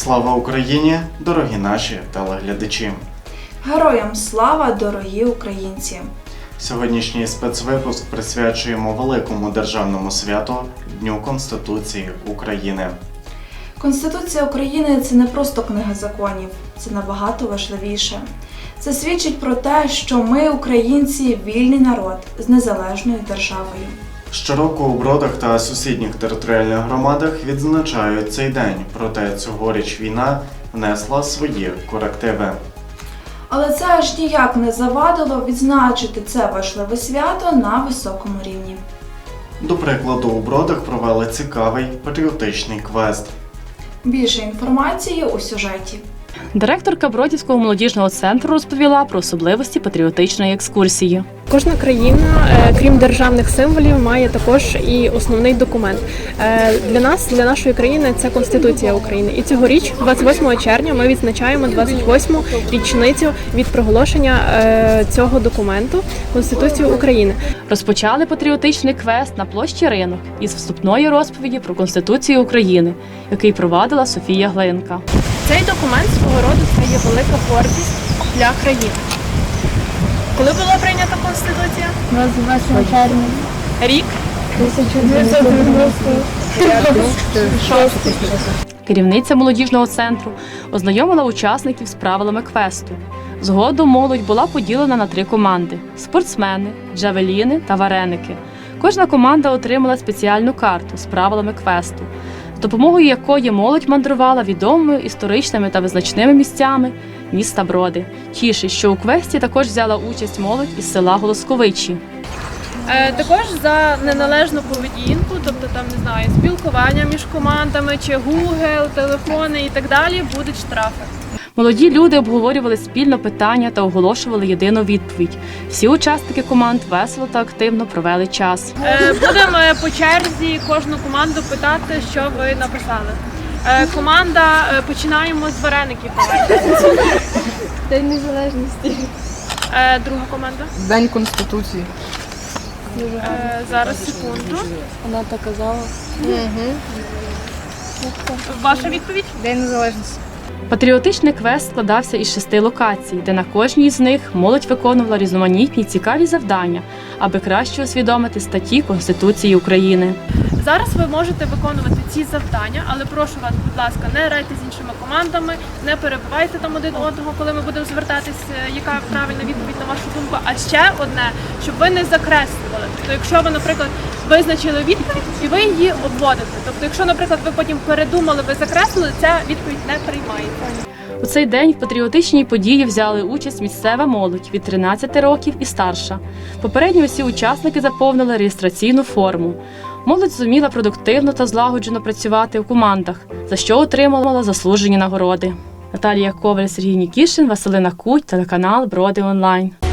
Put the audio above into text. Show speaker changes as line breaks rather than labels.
Слава Україні, дорогі наші телеглядачі!
Героям слава, дорогі українці!
Сьогоднішній спецвипуск присвячуємо великому державному святу – Дню Конституції України.
Конституція України – це не просто книга законів, це набагато важливіше. Це свідчить про те, що ми, українці, вільний народ з незалежною державою.
Щороку у Бродах та сусідніх територіальних громадах відзначають цей день, проте цьогоріч війна внесла свої корективи.
Але це аж ніяк не завадило відзначити це важливе свято на високому рівні.
До прикладу, у Бродах провели цікавий патріотичний квест.
Більше інформації у сюжеті.
Директорка Бродівського молодіжного центру розповіла про особливості патріотичної екскурсії.
Кожна країна, крім державних символів, має також і основний документ. Для нас, для нашої країни, це Конституція України. І цьогоріч, 28 червня, ми відзначаємо 28-му річницю від проголошення цього документу Конституції України.
Розпочали патріотичний квест на площі Ринок із вступної розповіді про Конституцію України, який провадила Софія Глинка.
Цей документ свого роду це є велика гордість для країни. Коли була прийнята Конституція?
28 червня.
Рік?
1996.
Керівниця молодіжного центру ознайомила учасників з правилами квесту. Згодом молодь була поділена на 3 команди – спортсмени, джавеліни та вареники. Кожна команда отримала спеціальну карту з правилами квесту, з допомогою якої молодь мандрувала відомими історичними та визначними місцями міста Броди. Тішить, що у квесті також взяла участь молодь із села Голосковичі.
Також за неналежну поведінку, тобто там, не знаю, спілкування між командами, чи Google, телефони і так далі, будуть штрафи.
Молоді люди обговорювали спільно питання та оголошували єдину відповідь. Всі учасники команд весело та активно провели час.
Будемо по черзі кожну команду питати, що ви написали. Команда, починаємо з вареників.
День Незалежності.
Друга команда.
День Конституції.
Зараз, секунду.
Вона так казала.
Ваша відповідь?
День Незалежності.
Патріотичний квест складався із 6 локацій, де на кожній з них молодь виконувала різноманітні цікаві завдання, аби краще усвідомити статті Конституції України.
Зараз ви можете виконувати ці завдання, але прошу вас, будь ласка, не грайте з іншими командами, не перебивайте там один одного, коли ми будемо звертатись, яка правильна відповідь на вашу думку. А ще одне, щоб ви не закреслювали. Тобто, якщо ви, наприклад, визначили відповідь і ви її обводите. Тобто, якщо, наприклад, ви потім передумали, ви закреслили, ця відповідь не приймається.
У цей день в патріотичній події взяли участь місцева молодь від 13 років і старша. Попередньо усі учасники заповнили реєстраційну форму. Молодь зуміла продуктивно та злагоджено працювати у командах, за що отримала заслужені нагороди. Наталія Коваль, Сергій Нікішин, Василина Куть, телеканал Броди Онлайн.